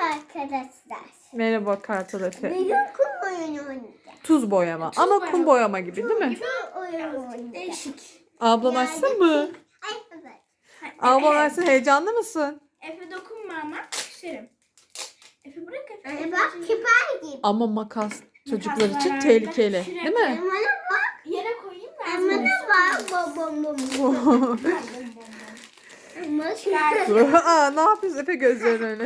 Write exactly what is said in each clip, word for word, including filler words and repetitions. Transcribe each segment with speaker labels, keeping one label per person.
Speaker 1: arkadaşlar.
Speaker 2: Merhaba Kartal Efe.
Speaker 1: Bugün kum oyunu oynayacağız.
Speaker 2: Tuz boyama.
Speaker 3: Tuz
Speaker 2: Ama
Speaker 3: boyama.
Speaker 2: kum boyama gibi değil mi?
Speaker 1: Kum oyunu oynayacağız.
Speaker 3: Değişik.
Speaker 2: Ablan açsın mı?
Speaker 1: Ay evet.
Speaker 2: Ablan açsın. Heyecanlı mısın?
Speaker 3: Efe dokunma ama küserim. Efe bırak Efe.
Speaker 1: Anne bak kibar gibi.
Speaker 2: Ama makas çocuklar
Speaker 3: Makas
Speaker 2: için
Speaker 3: var.
Speaker 2: tehlikeli.
Speaker 3: Şuraya
Speaker 2: Değil mi?
Speaker 1: Bana bak.
Speaker 3: Yere koyayım ben.
Speaker 1: Bana bak. Bom bom bom. Ama şu-
Speaker 2: Aa, ne yapıyorsun Efe, gözlerin öyle?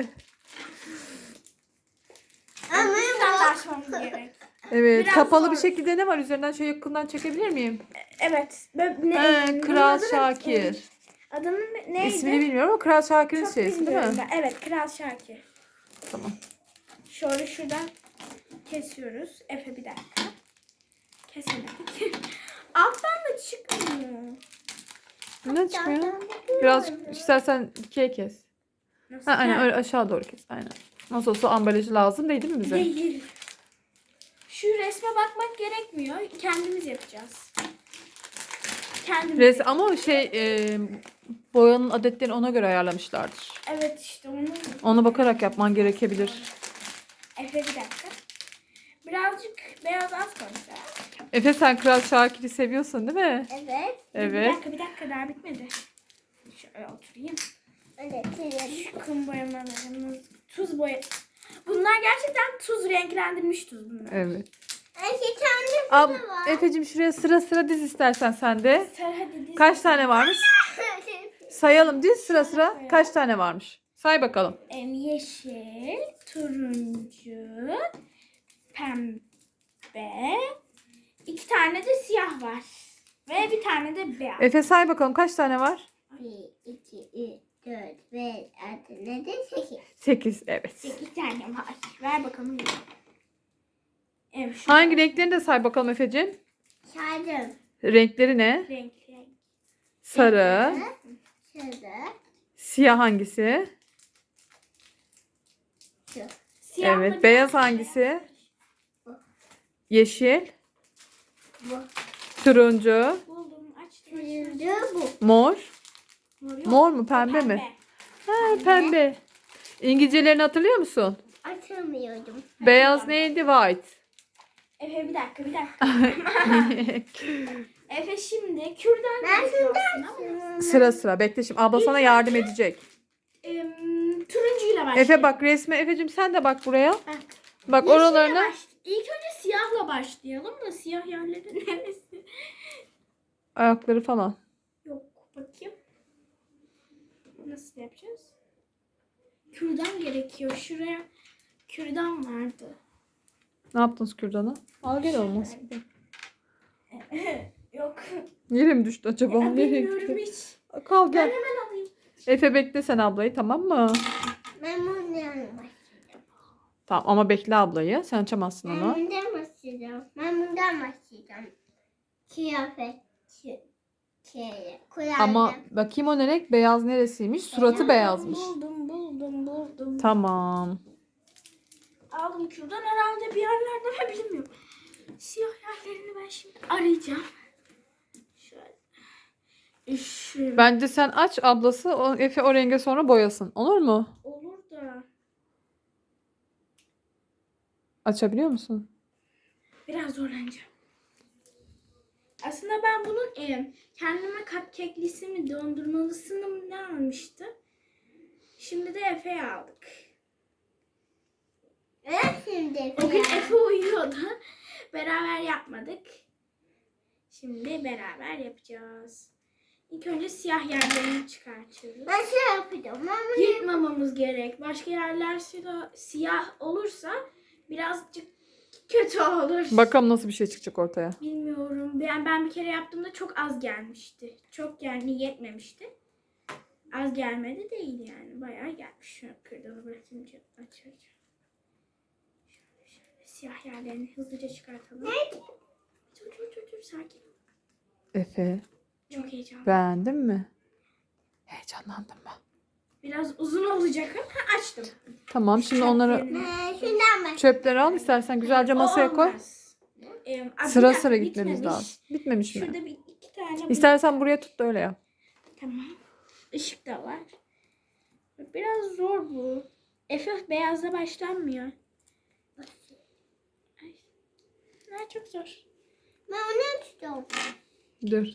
Speaker 1: Ama
Speaker 3: Sen açmamız gerek.
Speaker 2: Evet,
Speaker 3: Biraz
Speaker 2: kapalı
Speaker 3: zor.
Speaker 2: bir şekilde ne var? Üzerinden şöyle yakından çekebilir miyim?
Speaker 3: Evet. Ben, ne,
Speaker 2: He,
Speaker 3: bunun
Speaker 2: Kral
Speaker 3: adı ne?
Speaker 2: Şakir.
Speaker 3: Adının neydi?
Speaker 2: İsmini bilmiyorum ama Kral Şakir'in
Speaker 3: Çok
Speaker 2: şeysi değil
Speaker 3: bilmiyorum
Speaker 2: mi?
Speaker 3: ben. Evet, Kral Şakir.
Speaker 2: Tamam.
Speaker 3: Şöyle şuradan kesiyoruz. Efe bir dakika. Keselim. Alttan da çıkmıyor.
Speaker 2: Ne çıkmıyor? Biraz istersen ikiye kes.
Speaker 3: Nasıl?
Speaker 2: Ha, aynen öyle aşağı doğru kes. Aynen. Nasıl olsa ambalajı lazım değil, değil mi bize?
Speaker 3: Değil. Şu resme bakmak gerekmiyor. Kendimiz yapacağız. Kendimiz.
Speaker 2: Res ama o şey e, boyanın adetlerini ona göre ayarlamışlardır.
Speaker 3: Evet işte onu.
Speaker 2: Ona bakarak yapman gerekebilir.
Speaker 3: Efe bir dakika. Birazcık beyaz az koyacağız.
Speaker 2: Efe, sen Kral Şakir'i seviyorsun değil mi?
Speaker 1: Evet.
Speaker 3: Bir
Speaker 2: Evet.
Speaker 3: dakika bir dakika daha bitmedi. Şöyle oturayım.
Speaker 1: Evet. Evet.
Speaker 3: Şu kum boyamalarımız. Tuz boya. Bunlar gerçekten tuz, renklendirilmiş tuz bunlar.
Speaker 2: Evet.
Speaker 1: Ay bir tane
Speaker 2: Ab
Speaker 1: burada var.
Speaker 2: Efe'cim şuraya sıra sıra diz istersen sen de.
Speaker 3: Sarı hadi diz.
Speaker 2: Kaç tane varmış? Sayalım, diz sıra sıra. Kaç tane varmış? Say bakalım.
Speaker 3: Em, yeşil, turuncu, pembe, iki tane de siyah var. Ve bir tane de beyaz.
Speaker 2: Efe say bakalım kaç tane var?
Speaker 1: Bir, iki, üç, dört, beş, altı, yedi, sekiz.
Speaker 2: Sekiz, evet.
Speaker 3: İki tane var. Ver bakalım. Evet, şu
Speaker 2: Hangi renklerini de say bakalım Efe'cim.
Speaker 1: Saydım.
Speaker 2: Renkleri ne?
Speaker 3: renk, renk.
Speaker 2: Sarı.
Speaker 1: Şurada.
Speaker 2: Siyah hangisi?
Speaker 1: Şu.
Speaker 3: Siyahla
Speaker 2: Evet.
Speaker 3: bir
Speaker 2: Beyaz
Speaker 3: tane
Speaker 2: hangisi? Yeşil.
Speaker 1: Bu.
Speaker 2: Turuncu.
Speaker 3: Buldum, açtım.
Speaker 1: Turuncu bu.
Speaker 2: Mor.
Speaker 3: Mor, yok.
Speaker 2: Mor mu, pembe mi? Ha, pembe. İngilizcelerini hatırlıyor musun?
Speaker 1: Açamıyordum.
Speaker 2: Beyaz neydi? White.
Speaker 3: Efe bir dakika, bir dakika. Efe şimdi kürdan
Speaker 1: Ben
Speaker 3: gerekiyor
Speaker 1: şundan
Speaker 3: aslında ama,
Speaker 2: Sıra sıra. Bekle şimdi. Abla sana yardım edecek.
Speaker 3: em, turuncuyla başlayalım.
Speaker 2: Efe bak resme. Efe'cim sen de bak buraya.
Speaker 3: Bak.
Speaker 2: Bak
Speaker 3: Yeşille
Speaker 2: oralarına.
Speaker 3: baş- İlk önce siyahla başlayalım da siyah yerleri neresi?
Speaker 2: Ayakları falan.
Speaker 3: Yok, bakayım. Nasıl yapacağız? Kürdan gerekiyor. Şuraya kürdan vardı.
Speaker 2: Ne yaptınız kürdanı? Al gel olmaz.
Speaker 3: Yok.
Speaker 2: Nereye mi düştü acaba?
Speaker 3: Ya,
Speaker 2: Nereye
Speaker 3: bilmiyorum
Speaker 2: gitti?
Speaker 3: hiç.
Speaker 2: Kal
Speaker 3: Ben
Speaker 2: gel.
Speaker 3: hemen alayım.
Speaker 2: Efe bekle sen ablayı, tamam mı?
Speaker 1: Ben bundan başlayacağım.
Speaker 2: Tamam ama bekle ablayı. Sen açamazsın
Speaker 1: Ben
Speaker 2: onu.
Speaker 1: bundan başlayacağım. Ben bundan başlayacağım. Kıyafet. Şey. Şey. Kulağım.
Speaker 2: Ama bakayım o ne renk? Beyaz neresiymiş? Suratı beyazmış.
Speaker 3: Buldum, buldum, buldum.
Speaker 2: Tamam.
Speaker 3: Aldım kürdan herhalde bir yerlerde ama bilmiyorum. Siyah yerlerini ben şimdi arayacağım. Şöyle. Şöyle.
Speaker 2: Bence sen aç, ablası o, Efe o renge sonra boyasın. Olur mu?
Speaker 3: Olur da
Speaker 2: Açabiliyor musun?
Speaker 3: biraz zorlanacağım. Aslında ben bunun e, kendime cupcake'lisi mi dondurmalısını mı ne almıştım. Şimdi de Efe'ye aldık.
Speaker 1: Ben şimdi
Speaker 3: O gün Efe uyuyordu. Beraber yapmadık. Şimdi beraber yapacağız. İlk önce siyah yerlerini çıkartıyoruz.
Speaker 1: Ben şey yapacağım. Ben bunu
Speaker 3: Yırtmamamız gerek. Başka yerler siyah, siyah olursa birazcık kötü olur.
Speaker 2: Bakalım nasıl bir şey çıkacak ortaya.
Speaker 3: Bilmiyorum. Ben, ben bir kere yaptığımda çok az gelmişti. Çok yani yetmemişti. Az gelmedi değil yani. Bayağı gelmiş. Şu kırdanı bırakınca açacağım. Şöyle şöyle siyah yerlerini hızlıca çıkartalım.
Speaker 1: Ne?
Speaker 3: Dur dur dur dur sakin.
Speaker 2: Efe,
Speaker 3: Çok heyecanlı.
Speaker 2: beğendin mi? Heyecanlandın mı?
Speaker 3: Biraz uzun olacak ama açtım.
Speaker 2: Tamam, şimdi onları
Speaker 1: Ee, şundan başlayacağım.
Speaker 2: çöpleri al istersen, güzelce masaya
Speaker 3: O
Speaker 2: koy.
Speaker 3: olmaz. Ee, a,
Speaker 2: Sıra
Speaker 3: bir
Speaker 2: sıra
Speaker 3: dakika,
Speaker 2: gitmemiz
Speaker 3: bitmemiş.
Speaker 2: lazım. Bitmemiş mi?
Speaker 3: Şurada bir iki tane.
Speaker 2: İstersen buraya tut da öyle yap.
Speaker 3: Tamam. Işık da var. Biraz zor bu. Efe beyazla başlanmıyor. Ay. Ha, çok zor.
Speaker 1: Ben onu tutuyorum.
Speaker 2: Dur.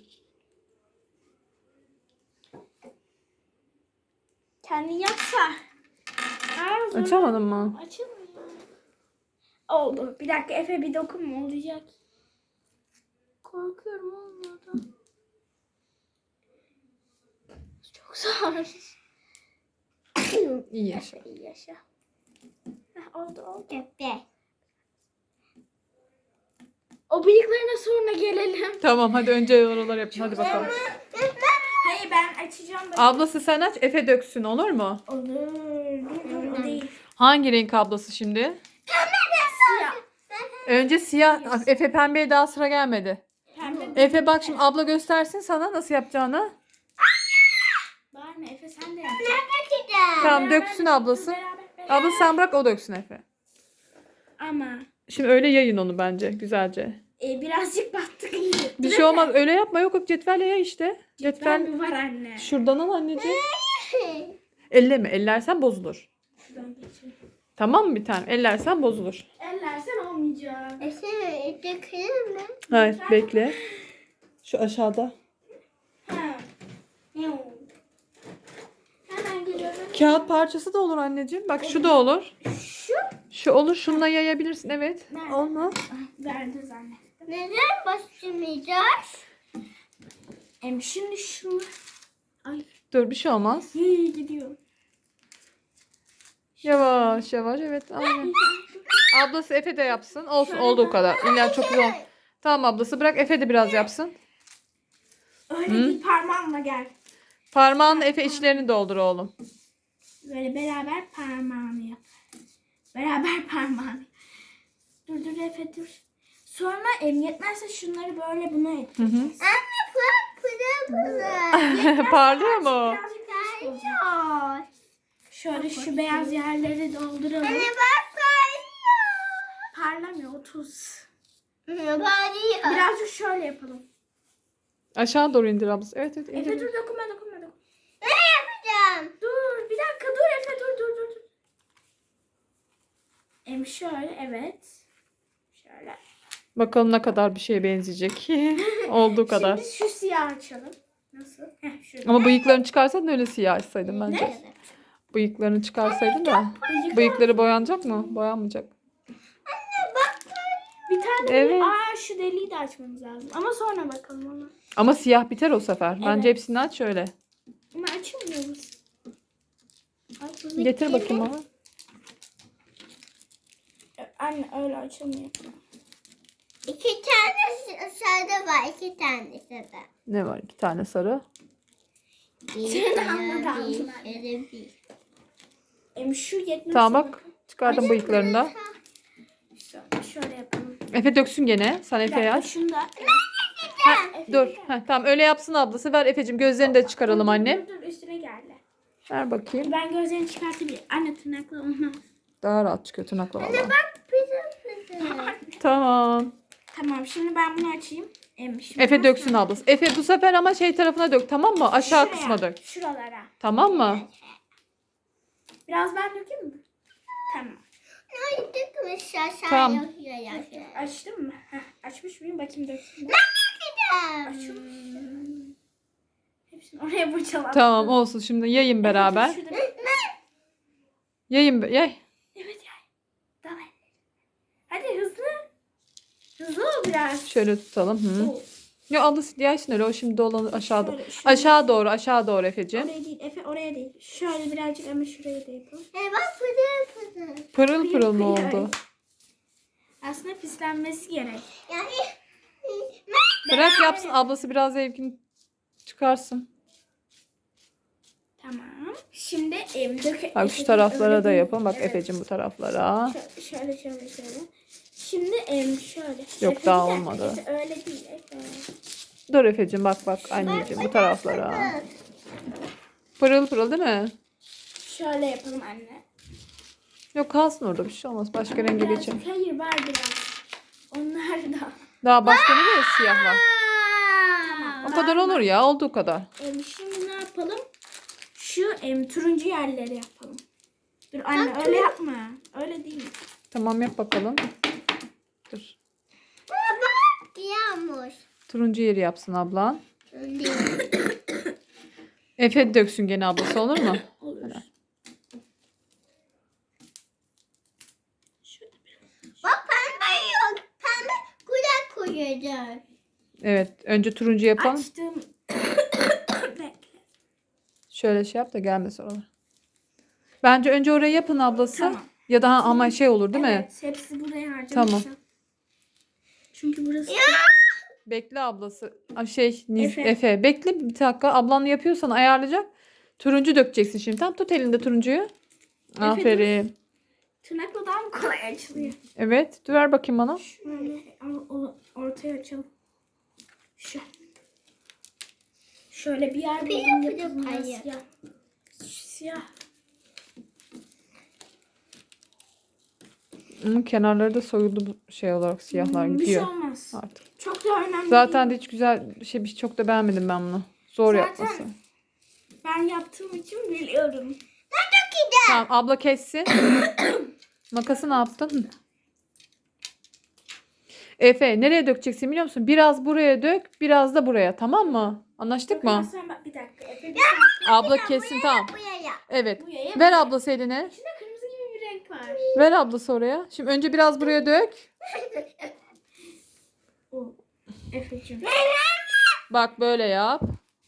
Speaker 3: Kendin yapsa. Aa, zor.
Speaker 2: Açamadın mı?
Speaker 3: Açılmıyor. Oldu. Bir dakika Efe bir dokunma olacak. Korkuyorum olmadı. Çok zor.
Speaker 2: İyi yaşa.
Speaker 3: Efe iyi yaşa. Heh, oldu oldu.
Speaker 1: Tepe.
Speaker 3: O bıyıklarına sonra gelelim.
Speaker 2: Tamam hadi önce oralar yapın. Hadi bakalım.
Speaker 3: Hayır ben açacağım. Da.
Speaker 2: Ablası sen aç, Efe döksün, olur mu?
Speaker 3: Olur. Dur dur o değil.
Speaker 2: Hangi renk ablası şimdi?
Speaker 3: Siyah.
Speaker 2: Önce siyah. Efe pembeye daha sıra gelmedi.
Speaker 3: Pembe.
Speaker 2: Efe bak şimdi abla göstersin sana nasıl yapacağını.
Speaker 3: Var mı Efe sen de yap.
Speaker 2: Tamam
Speaker 3: Beraber
Speaker 2: döksün
Speaker 3: de-
Speaker 2: ablası.
Speaker 3: Beraber, beraber.
Speaker 2: Abla sen bırak o döksün Efe.
Speaker 3: Ama
Speaker 2: Şimdi öyle yayın onu bence güzelce.
Speaker 3: e, birazcık battık iyi.
Speaker 2: Bir şey olmaz öyle yapma, yok yok cetvelle ya işte.
Speaker 3: Cetvel
Speaker 2: Cetvel
Speaker 3: mi var anne?
Speaker 2: şuradan al anneciğim. Elleme, ellersen bozulur.
Speaker 3: Şuradan geçelim.
Speaker 2: Tamam mı bir tane? Ellersen bozulur.
Speaker 3: Ellersen olmayacak.
Speaker 1: Efe dökülür mü?
Speaker 2: Hayır bekle. Şu aşağıda.
Speaker 3: Ha. Yuh. Hemen geliyorum.
Speaker 2: Kağıt parçası da olur anneciğim. Bak şu da olur.
Speaker 3: Şu.
Speaker 2: Şu olur. Şununla yayabilirsin. Evet.
Speaker 3: Nerede?
Speaker 2: Olmaz.
Speaker 3: Ah, verdi zannettim.
Speaker 1: Neden başlamayacağız?
Speaker 3: Em şimdi şunu. Ay
Speaker 2: Dur bir şey olmaz.
Speaker 3: iyi gidiyor.
Speaker 2: Yavaş yavaş. Evet aynen. Ablası Efe de yapsın. Olsun
Speaker 3: Şöyle
Speaker 2: olduğu kadar. İlla çok zor. Tamam ablası bırak Efe de biraz yapsın.
Speaker 3: Öyle
Speaker 2: Hı?
Speaker 3: değil parmağınla gel.
Speaker 2: Parmağınla Efe içlerini doldur oğlum.
Speaker 3: Böyle beraber parmağını yap. Beraber parmağını. Dur dur Efe dur. Sonra em yetmezse şunları böyle buna
Speaker 2: Hı
Speaker 3: ettireceğiz.
Speaker 2: hı.
Speaker 1: Anne bak pırıl pırıl.
Speaker 2: Parlıyor mu?
Speaker 3: Birazcık küçük olsun.
Speaker 1: Parlıyor.
Speaker 3: Şöyle şu beyaz yerleri dolduralım.
Speaker 1: Anne bak parlıyor.
Speaker 3: Parlamıyor o tuz.
Speaker 1: Parlıyor.
Speaker 3: Birazcık şöyle yapalım.
Speaker 2: Aşağı doğru indir ablası. Evet evet
Speaker 3: Efe
Speaker 2: indir.
Speaker 3: dur dokunma dokunma dokunma.
Speaker 1: Ne yapacağım?
Speaker 3: Dur bir dakika dur Efe dur dur dur. dur. Em şöyle evet. Şöyle.
Speaker 2: Bakalım ne kadar bir şeye benzeyecek. Olduğu kadar.
Speaker 3: Şimdi şu siyah açalım. Nasıl? Heh şöyle.
Speaker 2: Ama bıyıklarını çıkarsaydın öyle siyah açsaydın bence.
Speaker 3: Ne?
Speaker 2: Bıyıklarını çıkarsaydın da.
Speaker 3: Bıyık-
Speaker 2: Bıyıkları boyanacak mı? Boyanmayacak.
Speaker 3: Bir tane
Speaker 2: Evet.
Speaker 3: evet. Aa şu deliği de açmamız lazım. Ama sonra bakalım ona.
Speaker 2: Ama siyah biter o sefer. Bence
Speaker 3: Evet.
Speaker 2: hepsini aç şöyle.
Speaker 3: Ama açılmıyor bu. Ay, bu
Speaker 2: Getir
Speaker 3: bitti.
Speaker 2: bakayım ama.
Speaker 3: Anne öyle açılmıyor.
Speaker 1: İki tane sarı var. iki tane sarı.
Speaker 2: Ne var? İki tane sarı.
Speaker 1: Bir
Speaker 3: Sen de
Speaker 1: sarı,
Speaker 3: anladın
Speaker 1: bir
Speaker 3: anladın.
Speaker 1: sarı, bir.
Speaker 3: Em şu yetmez.
Speaker 2: Tamam bak. Çıkardım bıyıklarını da.
Speaker 3: Şöyle, şöyle yapalım.
Speaker 2: Efe döksün gene. Sen
Speaker 3: Bir
Speaker 2: Efe'ye
Speaker 3: dakika
Speaker 2: aç.
Speaker 3: şunu da.
Speaker 2: Ha,
Speaker 3: Efe,
Speaker 2: dur.
Speaker 3: bir dakika.
Speaker 2: Ha, tamam öyle yapsın ablası. Ver Efe'cim gözlerini de çıkaralım
Speaker 3: Dur,
Speaker 2: annem.
Speaker 3: Dur dur üstüne geldi.
Speaker 2: Ver bakayım.
Speaker 3: Ben gözlerini çıkartabilirim. Anne tırnakla olmaz.
Speaker 2: Daha rahat çıkıyor tırnakla valla.
Speaker 1: Bak pırıl pırıl.
Speaker 2: Tamam.
Speaker 3: Tamam şimdi ben bunu açayım. Em, şimdi
Speaker 2: Efe
Speaker 3: ben
Speaker 2: döksün
Speaker 3: sonra-
Speaker 2: ablası. Efe bu sefer ama şey tarafına dök, tamam mı? Aşağı
Speaker 3: Şuraya,
Speaker 2: kısma dök.
Speaker 3: Şuralara.
Speaker 2: Tamam mı?
Speaker 3: Biraz ben dökeyim mi? Tamam.
Speaker 1: Ne dökmüş aşağı
Speaker 2: Tamam.
Speaker 1: yapıyor ya.
Speaker 3: Açtım mı? Heh, açmış mıyım? Bakayım döktüm. mü? Açılmış. Hepsini oraya boşalattım.
Speaker 2: Tamam olsun şimdi yayın beraber.
Speaker 3: Şurada-
Speaker 2: Yayın be- yay.
Speaker 3: Evet ya. Tamam. Hadi hızlı. Hızlı ol biraz.
Speaker 2: Şöyle tutalım. Hı.
Speaker 3: Oo,
Speaker 2: Ya ablası yaysın öyle o şimdi dolanır aşağıda.
Speaker 3: Şöyle, şöyle.
Speaker 2: Aşağı doğru aşağı doğru Efe'cim.
Speaker 3: Oraya değil. Efe oraya değil. Şöyle birazcık ama şuraya da yapalım.
Speaker 1: E bak pırıl pırıl.
Speaker 2: Pırıl pırıl mı
Speaker 3: Pırıl.
Speaker 2: oldu?
Speaker 3: Aslında pislenmesi gerek.
Speaker 1: Yani
Speaker 2: Bırak yapsın ablası biraz zevkini çıkarsın.
Speaker 3: Tamam. Şimdi em dök.
Speaker 2: Bak şu taraflara da yapın. Bak Efe'cim bu taraflara.
Speaker 3: Şöyle şöyle şöyle. şöyle. Şimdi em şöyle.
Speaker 2: Yok,
Speaker 3: Efe,
Speaker 2: daha
Speaker 3: bir dakika,
Speaker 2: olmadı.
Speaker 3: Efe, öyle değil. Efe.
Speaker 2: Dur Efe'cim bak bak anneciğim bu taraflara. Pırıl pırıl değil mi?
Speaker 3: Şöyle yapalım anne.
Speaker 2: Yok kalsın orada bir şey olmaz. Başka renge
Speaker 3: Birazcık-
Speaker 2: geçelim.
Speaker 3: Hayır var biraz. Onlar da.
Speaker 2: Daha başka ne var? Siyah var.
Speaker 3: Tamam.
Speaker 2: O kadar olur ya olduğu kadar.
Speaker 3: Em, şimdi ne yapalım? Şu em, turuncu yerleri yapalım. Dur anne öyle yapma. Öyle değil.
Speaker 2: Tamam yap bakalım. Dur.
Speaker 1: Yağmur.
Speaker 2: Turuncu yeri yapsın ablan.
Speaker 1: Değil.
Speaker 2: Efe döksün gene ablası olur mu?
Speaker 3: Olur.
Speaker 1: Bak pembe yok. Pembe kulak koyacağız.
Speaker 2: Evet. Önce turuncu yapalım.
Speaker 3: Açtım. Bekle.
Speaker 2: Şöyle şey yap da gelmesin oralar. Bence önce orayı yapın ablası.
Speaker 3: Tamam.
Speaker 2: Ya da ama şey olur değil mi?
Speaker 3: Evet, hepsi buraya harcamışım.
Speaker 2: Tamam.
Speaker 3: Çünkü burası
Speaker 2: Bekle ablası. Aa, Şey Niz-
Speaker 3: Efe.
Speaker 2: Efe. Bekle bir dakika. Ablan yapıyorsan ayarlayacak. Turuncu dökeceksin şimdi. Tam tut elinde turuncuyu.
Speaker 3: dur.
Speaker 2: Aferin.
Speaker 3: tırnakla daha mı kolay açılıyor?
Speaker 2: Evet. Dur ver bakayım bana.
Speaker 3: Şöyle al- o- ortaya açalım. Şu. Şöyle bir yer buldum
Speaker 1: Pide pide
Speaker 3: yapalım.
Speaker 1: payı.
Speaker 3: Siyah. Siyah.
Speaker 2: Hı, kenarları da soyuldu bu şey olarak siyahlar
Speaker 3: Hmm, bir şey
Speaker 2: gidiyor.
Speaker 3: olmaz.
Speaker 2: Artık.
Speaker 3: Çok da önemli
Speaker 2: Zaten de
Speaker 3: değil.
Speaker 2: hiç güzel bir şey bir çok da beğenmedim ben bunu. Zor
Speaker 3: Zaten-
Speaker 2: yapması.
Speaker 3: Ben yaptığım için biliyorum.
Speaker 2: Tamam abla kessin. Makası ne yaptın? Hı. Efe nereye dökeceksin biliyor musun? Biraz buraya dök, biraz da buraya. Tamam mı? Anlaştık mı?
Speaker 3: Sen bak bir dakika. Efe bir
Speaker 2: Abla kessin tamam.
Speaker 1: Buraya.
Speaker 2: Evet.
Speaker 3: Buraya
Speaker 2: Ver ablası eline.
Speaker 3: İçinde kırmızı gibi bir renk var.
Speaker 2: Ver ablası oraya. Şimdi önce biraz buraya dök.
Speaker 3: O. Efe'cim.
Speaker 2: Bak böyle yap.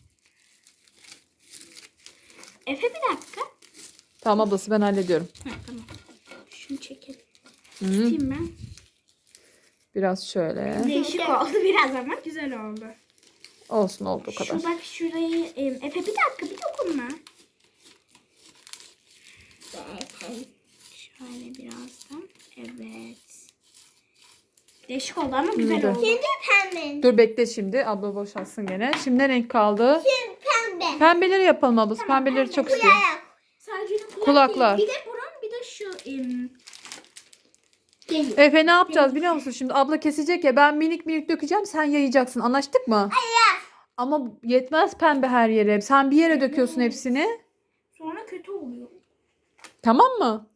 Speaker 3: Efe bir dakika.
Speaker 2: Tamam ablası ben hallediyorum.
Speaker 3: Ha, tamam. Şunu çekelim.
Speaker 2: Hı.
Speaker 3: Tutayım ben.
Speaker 2: Biraz şöyle.
Speaker 3: Değişik oldu biraz ama güzel oldu.
Speaker 2: Olsun oldu o kadar.
Speaker 3: Şu bak şurayı e, Efe bir dakika bir dokunma. Şöyle birazdan. Evet. Değişik oldu ama güzel
Speaker 2: Güzel.
Speaker 3: oldu.
Speaker 1: Şimdi pembe.
Speaker 2: Dur bekle şimdi. Abla boşaltsın gene. Şimdi ne renk kaldı?
Speaker 1: Şimdi pembe.
Speaker 2: Pembeleri yapalım ablası.
Speaker 3: Tamam,
Speaker 2: Pembeleri
Speaker 3: pembe.
Speaker 2: çok istiyorum.
Speaker 1: Buraya.
Speaker 3: Sadece kulak
Speaker 2: Kulaklar.
Speaker 3: değil. Bir de burun bir de şu em,
Speaker 1: Değil.
Speaker 2: Efe ne yapacağız biliyor musun? Şimdi abla kesecek ya ben minik minik dökeceğim sen yayacaksın. Anlaştık mı? Hayır. Ama yetmez pembe her yere. Sen bir yere döküyorsun hepsini.
Speaker 3: sonra kötü oluyor.
Speaker 2: Tamam mı?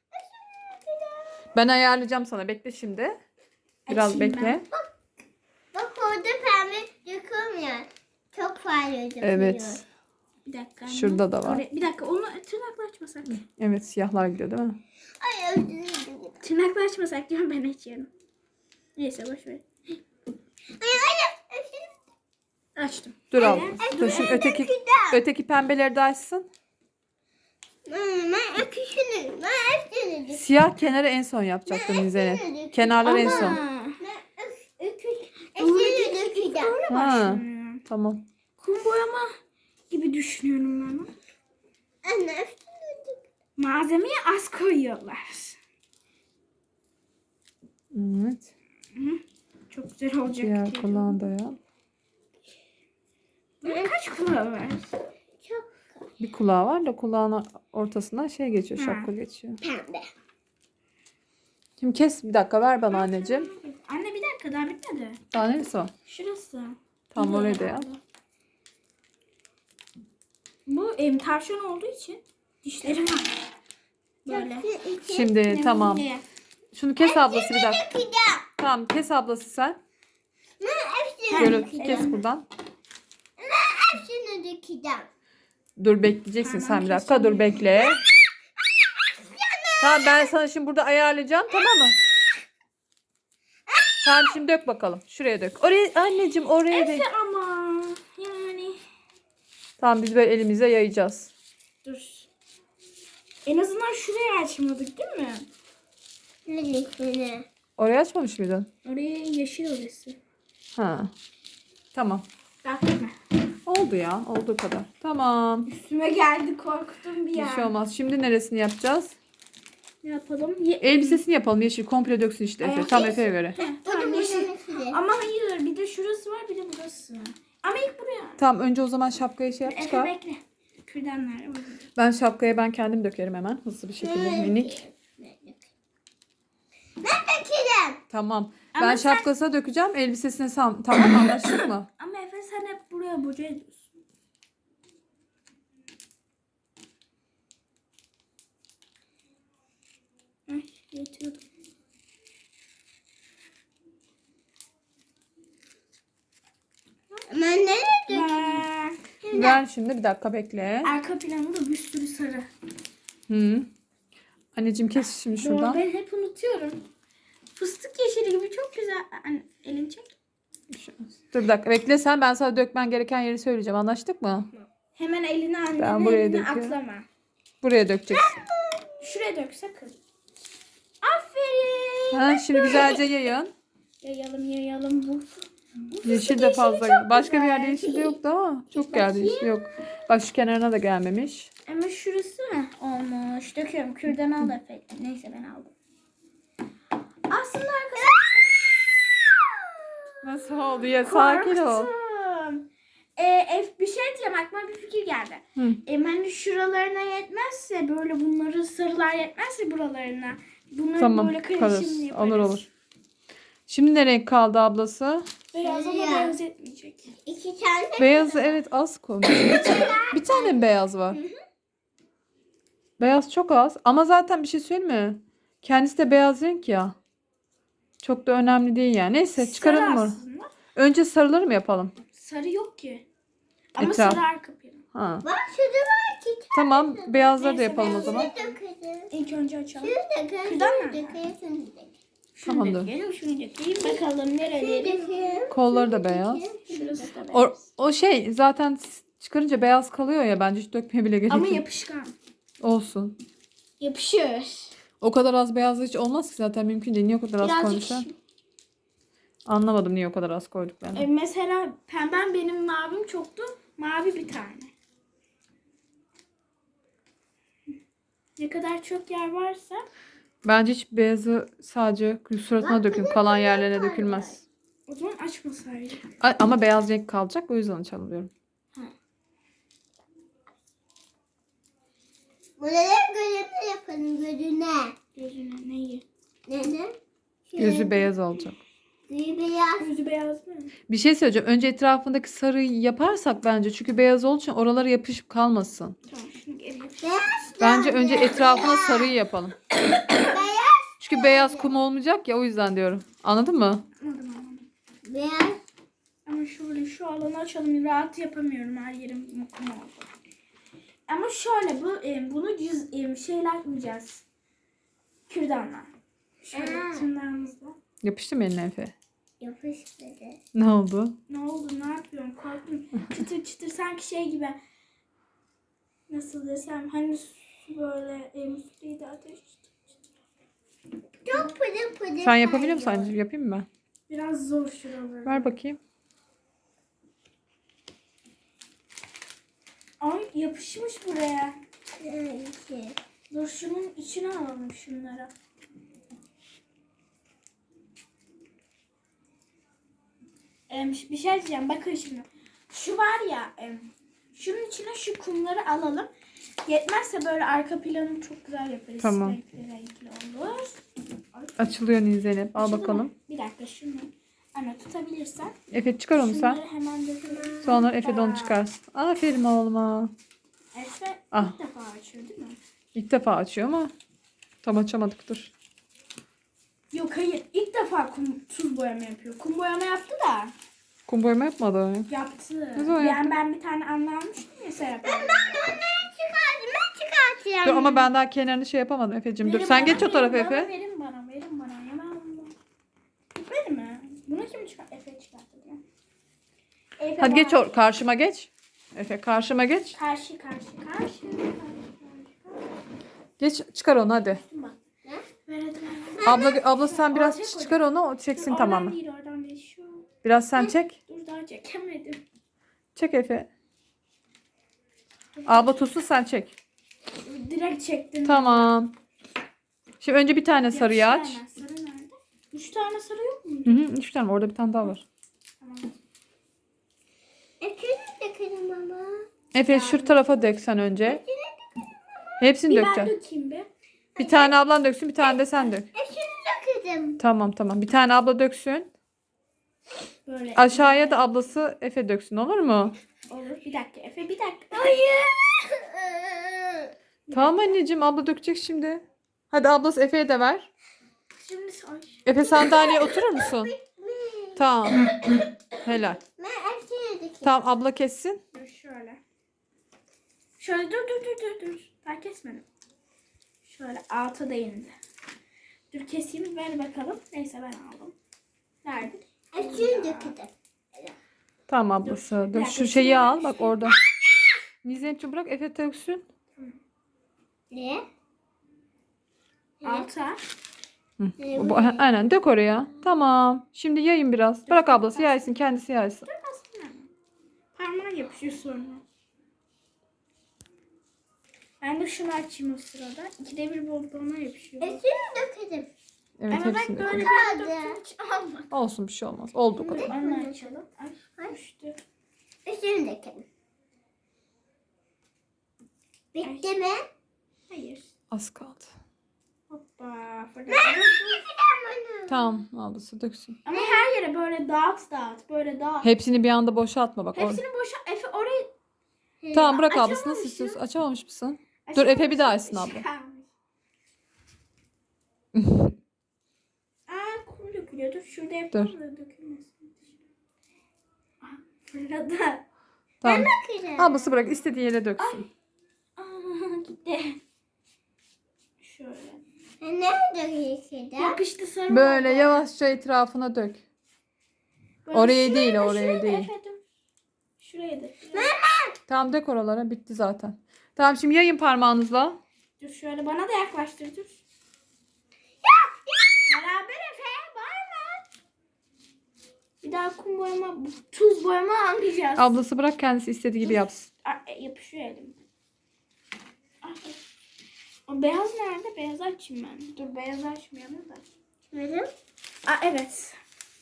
Speaker 2: Ben ayarlayacağım sana. Bekle şimdi. Biraz
Speaker 3: Açayım
Speaker 2: bekle.
Speaker 3: ben.
Speaker 1: Bak orada pembe dökülmüyor. Çok fazla dökülüyor.
Speaker 2: Evet.
Speaker 3: Bir dakika. anne.
Speaker 2: Şurada da var.
Speaker 3: Oraya- bir dakika onu tırnakla açmasak.
Speaker 2: Evet siyahlar gidiyor değil mi?
Speaker 1: Ay özür dilerim.
Speaker 3: Tırnakla açmasak diyorum ben açıyorum. Neyse boş ver.
Speaker 1: Ay ay ay.
Speaker 3: Açtım.
Speaker 2: Dur
Speaker 3: Evet.
Speaker 2: abla. Dur şimdi öteki öteki pembeleri de açsın.
Speaker 1: Ben öküşünü. Ben öküşünü.
Speaker 2: Siyah kenarı en son yapacaktım Zeynep. Kenarları en son.
Speaker 3: Aa,
Speaker 1: Ben öküş.
Speaker 3: doğru
Speaker 1: Öküşünü
Speaker 3: değil,
Speaker 1: dökeceğim.
Speaker 3: Böyle
Speaker 2: Ha.
Speaker 3: başlanıyor.
Speaker 2: Tamam.
Speaker 3: Kum boyama gibi düşünüyorum ben onu.
Speaker 1: Anne öküşünü dök.
Speaker 3: Malzemeyi az koyuyorlar.
Speaker 2: Evet.
Speaker 3: Çok güzel olacak.
Speaker 2: Diğer
Speaker 3: diye.
Speaker 2: kulağını da yap.
Speaker 3: Bunun kaç kulağı var?
Speaker 1: Çok
Speaker 2: Bir kulağı var da kulağın ortasından şey geçiyor,
Speaker 3: Ha.
Speaker 2: şapka geçiyor.
Speaker 1: pembe.
Speaker 2: Şimdi kes bir dakika ver bana anneciğim.
Speaker 3: Anne bir dakika daha bitmedi.
Speaker 2: Daha neresi var?
Speaker 3: Şurası.
Speaker 2: Tam
Speaker 3: Bir
Speaker 2: oraya da
Speaker 3: de
Speaker 2: yap.
Speaker 3: Bu em, tavşan olduğu için dişleri var. Böyle.
Speaker 2: Şimdi tamam.
Speaker 3: Ne?
Speaker 2: Şunu kes ablası bir dakika.
Speaker 1: Dökeceğim.
Speaker 2: Tamam kes ablası sen.
Speaker 1: Ben öküşünü
Speaker 2: Şöyle
Speaker 1: dökeceğim.
Speaker 2: kes buradan.
Speaker 1: Öküşünü dökeceğim.
Speaker 2: Dur bekleyeceksin
Speaker 3: Tamam,
Speaker 2: sen bir dakika. Dur bekle. Tamam ben sana şimdi burada ayarlayacağım tamam mı? Tamam şimdi dök bakalım. Şuraya dök. Oraya anneciğim oraya dök.
Speaker 3: Efe ama yani
Speaker 2: Tamam biz böyle elimize yayacağız.
Speaker 3: dur. En azından şurayı açmadık değil mi?
Speaker 1: Lütfen.
Speaker 2: Orayı açmamış mıydın?
Speaker 3: Oraya yeşil orası.
Speaker 2: Ha. Tamam.
Speaker 3: Bak mi?
Speaker 2: Oldu ya. Olduğu kadar. Tamam.
Speaker 3: Üstüme geldi korktum bir
Speaker 2: Bir
Speaker 3: yer.
Speaker 2: şey olmaz. Şimdi neresini yapacağız?
Speaker 3: Ne yapalım? Ye-
Speaker 2: Elbisesini yapalım. Yeşil komple döksün işte Efe.
Speaker 3: Ayak
Speaker 2: Tam
Speaker 3: yeşil.
Speaker 2: Efe'ye göre.
Speaker 3: Heh, tamam yeşil. Ama hayır bir de şurası var bir de burası. Ama ilk buraya.
Speaker 2: Tamam önce o zaman şapkayı şey yap
Speaker 3: Efe
Speaker 2: çıkar.
Speaker 3: bekle. Kürdanlar.
Speaker 2: Ben şapkaya ben kendim dökerim hemen. Hızlı bir şekilde minik.
Speaker 1: Ben dökeceğim.
Speaker 2: Tamam.
Speaker 3: Ama
Speaker 2: Ben
Speaker 3: sen-
Speaker 2: şapkasına dökeceğim. Elbisesine sam tamam anlaştık mı?
Speaker 3: Ama Efe sen hep buraya boca ediyorsun.
Speaker 2: Gel şimdi bir dakika bekle.
Speaker 3: Arka planı da bir sürü sarı.
Speaker 2: Hı. Anneciğim kes şimdi
Speaker 3: Doğru,
Speaker 2: şuradan.
Speaker 3: ben hep unutuyorum. Fıstık yeşili gibi çok güzel. Anne, elini çek.
Speaker 2: Dur bir dakika bekle sen, ben sana dökmen gereken yeri söyleyeceğim. Anlaştık mı?
Speaker 3: Hemen elini annenin
Speaker 2: Ben buraya
Speaker 3: eline
Speaker 2: döküyorum.
Speaker 3: atlama.
Speaker 2: Buraya dökeceksin.
Speaker 3: Şuraya dök sakın. Aferin.
Speaker 2: Ha, şimdi güzelce yayın.
Speaker 3: Yayalım yayalım bu. bu
Speaker 2: Yeşil
Speaker 3: fıstık
Speaker 2: de fazla.
Speaker 3: çok
Speaker 2: Başka bir
Speaker 3: güzel.
Speaker 2: yerde yeşil de yoktu ama çok
Speaker 3: Hiç
Speaker 2: geldi yeşil yok. Bak şu kenarına da gelmemiş.
Speaker 3: Ama şurası mı olmuş? Döküyorum. Kürdan al da efekt. Neyse ben aldım. Aslında arkadaşlar.
Speaker 2: Nasıl oldu ya? Sakin ol.
Speaker 3: Korktum. Ee, bir şey diyeceğim. Aklıma bir fikir geldi.
Speaker 2: Hı.
Speaker 3: E, hani şuralarına yetmezse böyle bunları sarılar yetmezse buralarına. Bunları
Speaker 2: Tamam
Speaker 3: böyle
Speaker 2: kalır.
Speaker 3: karışım yaparız.
Speaker 2: Olur olur. Şimdi ne renk kaldı ablası?
Speaker 3: Beyaz ama
Speaker 1: Beyaz.
Speaker 3: beyaz etmeyecek.
Speaker 1: İki tane.
Speaker 2: Beyazı evet az koymuş. Bir, ta- bir tane mi beyaz var? Beyaz çok az. Ama zaten bir şey söyleyeyim mi? Kendisi de beyaz renk ya. Çok da önemli değil yani. Neyse çıkaralım
Speaker 3: Sarı
Speaker 2: mı?
Speaker 3: aslında.
Speaker 2: Önce sarıları mı yapalım?
Speaker 3: Sarı yok ki. Ama
Speaker 2: Etraf.
Speaker 3: sarı arka planı.
Speaker 2: Ha.
Speaker 1: Bak şurada var iki tane.
Speaker 2: Tamam beyazları da
Speaker 3: Neyse,
Speaker 2: yapalım o
Speaker 3: beyaz
Speaker 2: zaman.
Speaker 1: Dökelim.
Speaker 3: İlk önce açalım.
Speaker 1: Şunu dökelim.
Speaker 3: Kürdan
Speaker 1: Şunu
Speaker 3: nerede?
Speaker 1: dökelim. Şunu dökelim.
Speaker 3: Şunu
Speaker 2: Tamamdır.
Speaker 3: dökelim, şunu dökelim. Bakalım
Speaker 1: Şunu
Speaker 3: nereleri.
Speaker 1: dökelim.
Speaker 2: Kolları da beyaz.
Speaker 3: Şurası da
Speaker 2: O,
Speaker 3: beyaz.
Speaker 2: o şey zaten çıkarınca beyaz kalıyor ya, bence hiç dökmeye bile gerek
Speaker 3: Ama
Speaker 2: yok.
Speaker 3: yapışkan.
Speaker 2: Olsun.
Speaker 3: Yapışır.
Speaker 2: O kadar az beyaz hiç olmaz ki zaten, mümkün değil. Niye o kadar az
Speaker 3: Birazcık.
Speaker 2: koymuşlar? Anlamadım niye o kadar az koyduklarını.
Speaker 3: E, mesela pembem benim mavim çoktu. Mavi bir tane. Ne kadar çok yer varsa.
Speaker 2: Bence hiç beyazı sadece suratına dökün. Kalan yerlerine dökülmez.
Speaker 3: O zaman açmasaydı.
Speaker 2: A- Ama beyaz renk kalacak, o yüzden açalım diyorum.
Speaker 1: Buraları gözüne yapalım. Gözüne.
Speaker 3: Gözüne neyi?
Speaker 1: Neden?
Speaker 2: Gözü beyaz olacak.
Speaker 1: Gözü beyaz.
Speaker 3: Gözü beyaz mı?
Speaker 2: Bir şey söyleyeceğim. Önce etrafındaki sarıyı yaparsak bence. Çünkü beyaz olduğu için oralara yapışıp kalmasın.
Speaker 3: Tamam şunu geri yapayım.
Speaker 1: Beyaz.
Speaker 2: Bence önce etrafına sarıyı yapalım.
Speaker 1: Beyaz.
Speaker 2: Çünkü beyaz kum olmayacak ya, o yüzden diyorum. Anladın mı?
Speaker 3: Anladım anladım.
Speaker 1: Beyaz.
Speaker 3: Ama şöyle şu alanı açalım. Rahat yapamıyorum. Her yerim kum oldu. Ama şöyle bu e, bunu cüz, e, şeyle atmayacağız. Kürdanla. Şöyle
Speaker 1: Aa.
Speaker 3: tırnağımızla.
Speaker 2: Yapıştı mı eline Efe?
Speaker 1: Yapıştırdı.
Speaker 2: Ne oldu?
Speaker 3: Ne oldu? Ne yapıyorum? Korktum. Çıtır çıtır sanki şey gibi. Nasıl desem hani su böyle e, müfliydi ateş.
Speaker 1: Çok pıdı pıdı.
Speaker 2: Sen yapabiliyor musun
Speaker 1: kayıyor.
Speaker 2: anneciğim? Yapayım mı ben?
Speaker 3: Biraz zor şuraları.
Speaker 2: Ver bakayım.
Speaker 3: Ay yapışmış buraya.
Speaker 1: Neyse.
Speaker 3: Dur şunun içine alalım şunları. Em, bir şey diyeceğim. Bakın şimdi. Şu var ya. em, şunun içine şu kumları alalım. Yetmezse böyle arka planını çok güzel yaparız.
Speaker 2: Tamam.
Speaker 3: Renkli renkli olur. Ay,
Speaker 2: Açılıyor Nil Zeynep. Al
Speaker 3: şunu
Speaker 2: bakalım.
Speaker 3: mu? Bir dakika şunu. Anne tutabilirsen.
Speaker 2: Efe çıkar onu sen.
Speaker 3: Şunları hemen dökelim.
Speaker 2: Sonra Efe de onu
Speaker 3: Hoppa.
Speaker 2: çıkarsın. Aferin oğluma.
Speaker 3: Efe
Speaker 2: Ah.
Speaker 3: ilk defa açıyor değil mi?
Speaker 2: İlk defa açıyor ama tam açamadık, dur.
Speaker 3: Yok hayır. İlk defa kum, tuz boyama yapıyor. Kum boyama yaptı da.
Speaker 2: Kum boyama yapmadı.
Speaker 3: Yaptı.
Speaker 2: Ne zaman
Speaker 3: Yani
Speaker 2: yaptı?
Speaker 3: ben bir tane anne almıştım ya Serap.
Speaker 1: Ben çıkardım. Ben çıkartıyorum.
Speaker 2: Dur ama ben daha kenarını şey yapamadım Efe'cim. Dur
Speaker 3: Verin
Speaker 2: sen
Speaker 3: bana,
Speaker 2: geç o tarafa
Speaker 3: verin bana,
Speaker 2: Efe.
Speaker 3: Verin bana, verin bana. Ya ben bunu. Bitmedi mi? Bunu kim çıkart? Efe çıkarttı ya. Efe
Speaker 2: Hadi geç
Speaker 3: bana-
Speaker 2: o karşıma geç. Efe karşıma geç.
Speaker 3: Karşı, karşı, karşı. karşı, karşı.
Speaker 2: Geç çıkar onu hadi.
Speaker 3: Bak. Ver hadi ver.
Speaker 2: Abla abla sen biraz
Speaker 3: Ortaya koy.
Speaker 2: çıkar onu, o
Speaker 3: Dur,
Speaker 2: çeksin
Speaker 3: oradan
Speaker 2: tamamen.
Speaker 3: değil, oradan değil. Şu.
Speaker 2: Biraz sen çek.
Speaker 3: Dur daha çekemedim.
Speaker 2: Çek Efe. Abla tutsun, sen çek.
Speaker 3: Direkt çektim.
Speaker 2: Tamam. Şimdi önce bir tane sarıyı
Speaker 3: Yapıştı
Speaker 2: aç.
Speaker 3: hemen. Sarı nerede? Üç tane sarı yok mu?
Speaker 2: Hı hı, üç tane, orada bir tane daha var.
Speaker 3: Tamam.
Speaker 1: Ekini dökelim ama.
Speaker 2: Efe şu tarafa dök sen önce. Hepsini
Speaker 3: Bir ben
Speaker 2: dökeceksin.
Speaker 3: dökeyim be.
Speaker 2: Bir tane ablan döksün, bir tane de sen dök.
Speaker 1: Ekini dökelim.
Speaker 2: Tamam tamam. Bir tane abla döksün.
Speaker 3: Böyle.
Speaker 2: Aşağıya da ablası Efe döksün, olur mu?
Speaker 3: Olur. Bir dakika Efe bir dakika.
Speaker 1: Hayır.
Speaker 2: Tamam anneciğim, abla dökecek şimdi. Hadi ablası Efe'ye de ver.
Speaker 3: Şimdi say.
Speaker 2: Efe sandalyeye oturur musun? Tamam. Helal.
Speaker 1: Ben ekini dökelim.
Speaker 2: Tamam abla kessin.
Speaker 3: Dur şöyle. Şöyle dur dur dur dur dur. Daha kesmedim. Şöyle alta da indi. Dur keseyim ver bakalım. Neyse ben aldım. Nerede?
Speaker 1: Şimdi döküldü.
Speaker 2: Tamam ablası.
Speaker 3: Bir
Speaker 2: Dur
Speaker 3: dakika,
Speaker 2: şu şeyi
Speaker 3: şuraya
Speaker 2: al
Speaker 3: bir
Speaker 2: bak
Speaker 3: şey-
Speaker 2: orada. Nizetciğim bırak Efe döksün.
Speaker 1: Ne?
Speaker 3: Alta.
Speaker 2: Hı. Bu- Aynen dök oraya. Tamam. Şimdi yayın biraz. Bırak ablası yaysın. Kendisi yaysın.
Speaker 3: Aslında. Parmağa yapışıyor sonra. Ben de şunu açayım o sırada. İkide bir bana yapışıyor.
Speaker 1: E şimdi dökelim.
Speaker 2: Evet
Speaker 3: Ama
Speaker 2: hepsini
Speaker 3: ben böyle
Speaker 2: dök.
Speaker 3: bir döktüm hiç almadım.
Speaker 2: Olsun bir şey olmaz. Olduğu
Speaker 3: Dur
Speaker 2: kadar.
Speaker 3: onu açalım. Ay düştü.
Speaker 1: E şimdi dökelim. Bitti mi?
Speaker 3: Hayır.
Speaker 2: Az kaldı.
Speaker 3: Hoppa. Fırlat.
Speaker 2: Tamam ablası döksün.
Speaker 3: Ama her yere böyle dağıt dağıt. Böyle dağıt.
Speaker 2: Hepsini bir anda boşaltma bak. Or-
Speaker 3: Hepsini boşa. Efe orayı
Speaker 2: Tamam bırak ablası. Nasıl
Speaker 3: açamamışım.
Speaker 2: istiyorsun? Açamamış mısın? Dur Efe bir daha açsın abla.
Speaker 3: Aa kum dökülüyor. Dur şurada yapalım da dökülmesin. Aa, fırladı.
Speaker 2: Tamam.
Speaker 1: Dökelim.
Speaker 2: Ablası bırak istediği yere döksün.
Speaker 3: Aa gitti. Şöyle.
Speaker 1: E nerede döküldü?
Speaker 3: Yapıştı sarı.
Speaker 2: Böyle
Speaker 3: oldu.
Speaker 2: yavaşça etrafına dök.
Speaker 3: Böyle
Speaker 2: Oraya
Speaker 3: şuraya
Speaker 2: değil,
Speaker 3: da,
Speaker 2: oraya
Speaker 3: şuraya da
Speaker 2: değil.
Speaker 3: Efe, dur. Şuraya da.
Speaker 2: Tamam dök oralara. Bitti zaten. Tamam şimdi yayın parmağınızla.
Speaker 3: Dur şöyle bana da yaklaştır dur. Beraber Efe bağırma. Bir daha kum boyama, tuz boyama almayacağız.
Speaker 2: Ablası bırak kendisi istediği gibi yapsın.
Speaker 3: Aa, e, yapışıyor elim. Ay. O beyaz nerede? Beyaz açayım ben. Dur beyaz açmayalım da.
Speaker 1: Verim.
Speaker 3: Aa evet.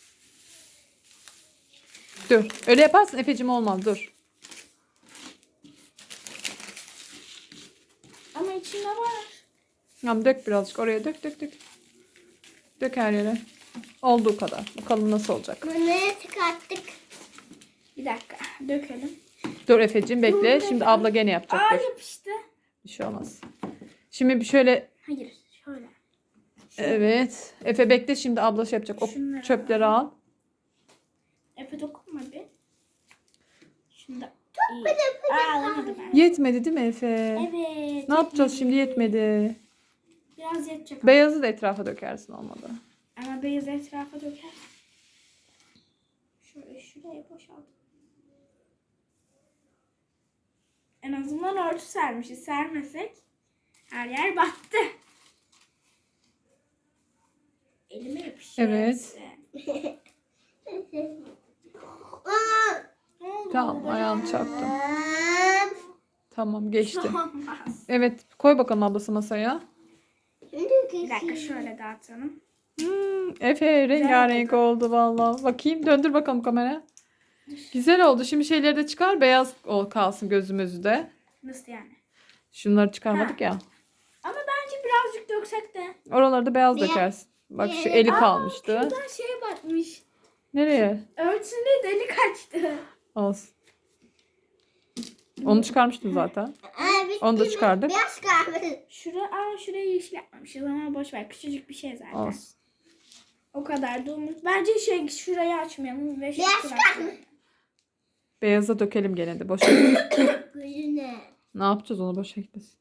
Speaker 2: Dur. Öyle yaparsın Efe'cim olmaz dur.
Speaker 3: Ama içinde var.
Speaker 2: Tamam dök birazcık oraya dök dök dök. Dök her yere. Olduğu kadar. Bakalım nasıl olacak.
Speaker 1: Bunları çıkarttık.
Speaker 3: Bir dakika dökelim.
Speaker 2: Dur Efe'cim bekle.
Speaker 3: Dur,
Speaker 2: Şimdi
Speaker 3: bekle.
Speaker 2: abla gene yapacak.
Speaker 3: Aa
Speaker 2: Dur.
Speaker 3: yapıştı.
Speaker 2: Bir şey olmaz. Şimdi bir şöyle
Speaker 3: Hayır şöyle.
Speaker 2: evet. Efe bekle şimdi abla şey yapacak. O
Speaker 3: Şunları
Speaker 2: çöpleri al.
Speaker 3: Efe dokunma bir. Şunu da. Çok iyi. Aa alamadım ben.
Speaker 2: Yetmedi değil mi Efe?
Speaker 3: Evet.
Speaker 2: Ne yapacağız şimdi yetmedi.
Speaker 3: Biraz yetecek.
Speaker 2: Beyazı da etrafa dökersin olmadı.
Speaker 3: Ama beyaz etrafa döker. Şöyle şuraya boşalt. En azından örtü sermişiz. Sermesek her yer battı. Elime yapışıyor.
Speaker 2: Evet.
Speaker 3: hepsi.
Speaker 1: Aa,
Speaker 3: Ne oldu?
Speaker 2: Tamam ayağını çarptım.
Speaker 1: aa,
Speaker 2: Tamam geçti.
Speaker 3: Olmaz.
Speaker 2: Evet koy bakalım ablası masaya.
Speaker 1: Şimdi
Speaker 3: Bir dakika
Speaker 1: döküldü.
Speaker 3: şöyle dağıtalım.
Speaker 2: Hmm, Efe rengarenk oldu vallahi. Bakayım döndür bakalım kamera. Güzel oldu. Şimdi şeyleri de çıkar. Beyaz ol kalsın gözümüzü de.
Speaker 3: Nasıl yani?
Speaker 2: Şunları çıkarmadık ya.
Speaker 3: Ama bence birazcık döksek de.
Speaker 2: Oraları da beyaz
Speaker 1: Niye?
Speaker 2: dökersin. Bak şu
Speaker 1: Niye?
Speaker 2: eli
Speaker 3: Aa,
Speaker 2: kalmıştı.
Speaker 3: Şuradan şeye batmış.
Speaker 2: Nereye?
Speaker 3: Örtüsünde delik açtı.
Speaker 2: Olsun. Onu çıkarmıştım zaten.
Speaker 1: Aa, bitti
Speaker 2: Onu da
Speaker 1: mi?
Speaker 2: çıkardık.
Speaker 1: Biraz kaldı.
Speaker 3: Şura, aa şurayı yeşil yapmamışız ama boş ver. Küçücük bir şey zaten.
Speaker 2: Olsun.
Speaker 3: O kadar da umut. Bence şey şurayı açmayalım ve şu
Speaker 1: Biraz
Speaker 3: tarafı-
Speaker 1: kaldı.
Speaker 2: Beyaza dökelim gene de. Boşa gitmesin.
Speaker 1: Gözüne.
Speaker 2: Ne yapacağız onu boşa gitmesin.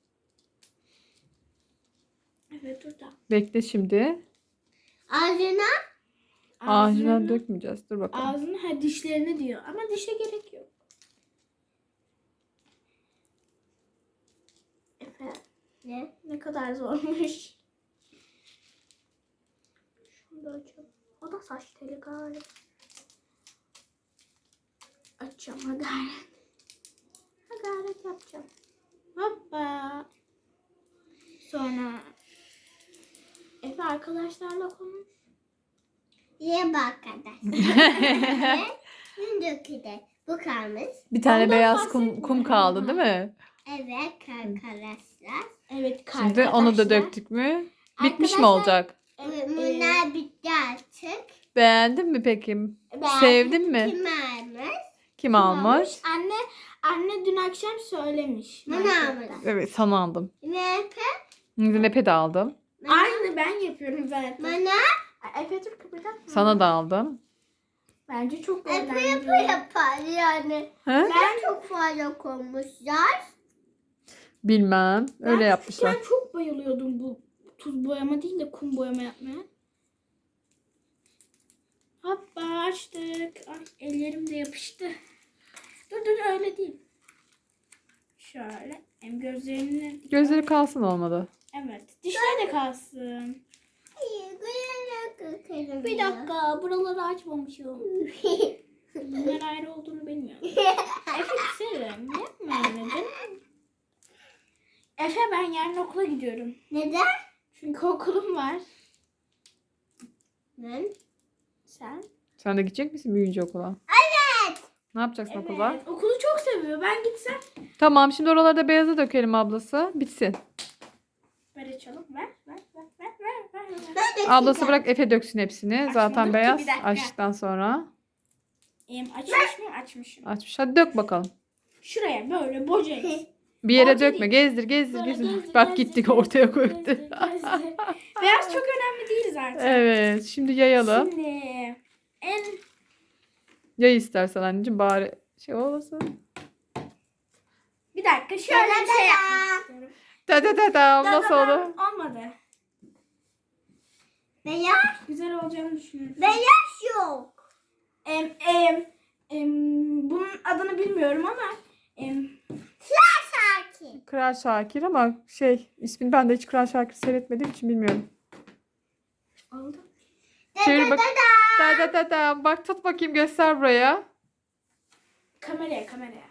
Speaker 3: Evet dur da.
Speaker 2: Bekle şimdi.
Speaker 1: Ağzına.
Speaker 2: Ağacına
Speaker 3: Ağzını-
Speaker 2: dökmeyeceğiz. Dur bakalım.
Speaker 3: Ağzını ha dişlerini diyor. Ama dişe gerek yok. Efe
Speaker 1: Ne?
Speaker 3: ne kadar zormuş. Şunu da açalım. O da saç teli galiba. Açacağım ha gayret. Ha gayret yapacağım. Hoppa. Sonra Efe arkadaşlarla konuş.
Speaker 1: Ye bak kadar. Şimdi döküldü. Bu kalmış.
Speaker 2: Bir tane
Speaker 3: Ondan
Speaker 2: beyaz kum,
Speaker 3: bahsetme.
Speaker 2: kum kaldı değil mi?
Speaker 1: Evet arkadaşlar.
Speaker 3: Evet
Speaker 2: Şimdi onu da
Speaker 3: arkadaşlar.
Speaker 2: döktük mü? Bitmiş mi
Speaker 3: Arkadaşlar-
Speaker 2: olacak?
Speaker 3: Ee,
Speaker 1: Bunlar bitti artık.
Speaker 2: Beğendin mi peki?
Speaker 3: Ben-
Speaker 2: Sevdin mi?
Speaker 1: Kim almış?
Speaker 2: Kim almış?
Speaker 3: Anne anne dün akşam söylemiş.
Speaker 1: Bana
Speaker 3: marketten.
Speaker 1: almış.
Speaker 2: Evet sana aldım.
Speaker 1: Ne?
Speaker 2: Nepe de aldım.
Speaker 3: Aynı ben yapıyorum zaten.
Speaker 1: Bana
Speaker 3: Ay, Efe dur kıpırdatma.
Speaker 2: Sana da aldım.
Speaker 3: Bence çok
Speaker 1: yapı
Speaker 3: eğlenceli.
Speaker 1: yapı yapar yani.
Speaker 2: He?
Speaker 1: Ben çok fazla koymuşlar.
Speaker 2: Bilmem. Öyle
Speaker 3: Ben
Speaker 2: yapmışlar.
Speaker 3: küçükken çok bayılıyordum bu tuz boyama değil de kum boyama yapmaya. Hoppa açtık. Ay ellerim de yapıştı. Dur dur öyle değil. Şöyle. Hem gözlerini...
Speaker 2: Gözleri kalsın olmadı.
Speaker 3: Evet. Dişleri de kalsın. Bir dakika. Buraları açmamışım. Bunlar ayrı olduğunu bilmiyorum. Efe severim. Yapma öyle canım. Efe ben yarın okula gidiyorum.
Speaker 1: Neden?
Speaker 3: Çünkü okulum var.
Speaker 1: Ben.
Speaker 3: Sen?
Speaker 2: Sen de gidecek misin büyüyünce okula?
Speaker 1: Evet.
Speaker 2: Ne yapacaksın okulda?
Speaker 3: Evet. Okulu çok seviyor. Ben gitsem.
Speaker 2: Tamam şimdi oraları da beyaza dökelim ablası. Bitsin.
Speaker 3: Ver açalım. Ver. Ver. Ver. Ver. Ver. ver.
Speaker 1: Ben de
Speaker 2: Ablası
Speaker 1: çıkacağım.
Speaker 2: bırak Efe döksün hepsini.
Speaker 3: Açmadık
Speaker 2: Zaten
Speaker 3: ki,
Speaker 2: beyaz
Speaker 3: bir dakika.
Speaker 2: açtıktan sonra.
Speaker 3: Em, açmış mıyım? Açmışım.
Speaker 2: Açmış. Hadi dök bakalım.
Speaker 3: Şuraya böyle bocayız.
Speaker 2: Bir yere
Speaker 3: Orta
Speaker 2: dökme.
Speaker 3: değil.
Speaker 2: Gezdir gezdir
Speaker 3: Böyle
Speaker 2: gezdir.
Speaker 3: gezdir,
Speaker 2: Bak
Speaker 3: gezdir,
Speaker 2: gittik
Speaker 3: gezdir,
Speaker 2: ortaya koydu.
Speaker 3: gezdir, gezdir. Beyaz çok önemli değil zaten.
Speaker 2: Evet. Şimdi yayalım.
Speaker 3: Şimdi en
Speaker 2: Yay istersen anneciğim bari şey olmasın.
Speaker 3: bir dakika şöyle bir şey yapmak istiyorum.
Speaker 2: Da da da da nasıl
Speaker 3: Da da da,
Speaker 2: oldu?
Speaker 3: Olmadı.
Speaker 1: Beyaz.
Speaker 3: Güzel olacağını düşünüyorum.
Speaker 1: Beyaz yok.
Speaker 3: Em, em, em, bunun adını bilmiyorum ama em,
Speaker 1: Sakin.
Speaker 2: Kral Şakir ama şey ismini ben de hiç Kral Şakir seyretmediğim için bilmiyorum.
Speaker 3: oldu.
Speaker 2: Çevir bak.
Speaker 1: Da
Speaker 2: Da da da da. Bak tut bakayım göster buraya.
Speaker 3: Kameraya kameraya.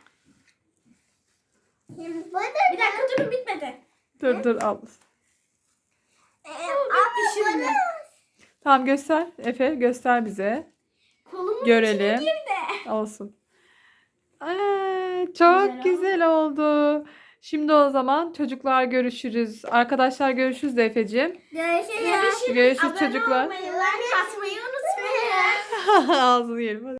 Speaker 1: Şimdi bana
Speaker 3: Bir dakika durun bitmedi.
Speaker 2: Dur dur al.
Speaker 1: e,
Speaker 3: bitti şimdi.
Speaker 1: bana
Speaker 2: Tamam göster. Efe göster bize.
Speaker 3: Kolumun
Speaker 2: Görelim.
Speaker 3: içine girdi.
Speaker 2: Olsun. Aa, çok
Speaker 3: Güzel
Speaker 2: güzel oldu. Şimdi o zaman çocuklar görüşürüz. Arkadaşlar görüşürüz de Efe'ciğim.
Speaker 1: görüşürüz.
Speaker 2: Görüşürüz
Speaker 3: Abone
Speaker 2: çocuklar.
Speaker 3: olmayı, like atmayı unutmayın.
Speaker 2: Ağzını yerim. Hadi.